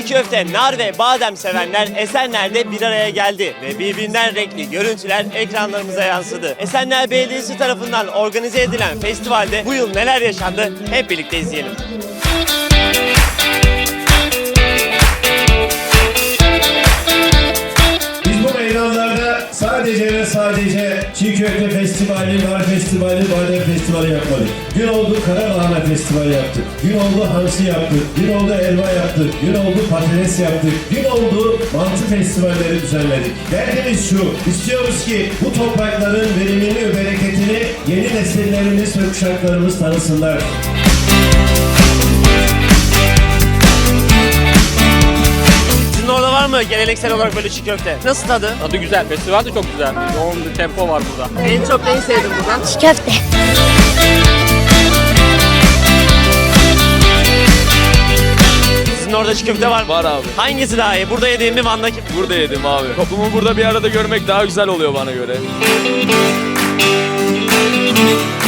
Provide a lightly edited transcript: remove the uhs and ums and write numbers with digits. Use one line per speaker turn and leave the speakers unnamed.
köfte, nar ve badem sevenler Esenler'de bir araya geldi ve birbirinden renkli görüntüler ekranlarımıza yansıdı. Esenler Belediyesi tarafından organize edilen festivalde bu yıl neler yaşandı hep birlikte izleyelim.
Sadece ve sadece çiğ köfte festivali, nar festivali, badem festivali yapmadık. Gün oldu karalahana festivali yaptık. Gün oldu hamsi yaptık. Gün oldu elma yaptık. Gün oldu patates yaptık. Gün oldu mantı festivalleri düzenledik. Derdimiz şu, istiyoruz ki bu toprakların verimini ve bereketini yeni nesillerimiz ve kuşaklarımız tanısınlar.
Orada var mı geleneksel olarak böyle çiğ köfte? Nasıl tadı?
Tadı güzel, festival de çok güzel. Yoğun bir tempo var burada.
En çok neyi sevdin buradan?
Çiğ köfte.
Sizin orada çiğ köfte var mı?
Var abi.
Hangisi daha iyi? Burada yediğim mi, Van'daki mi?
Burada yedim abi. Toplumu burada bir arada görmek daha güzel oluyor bana göre.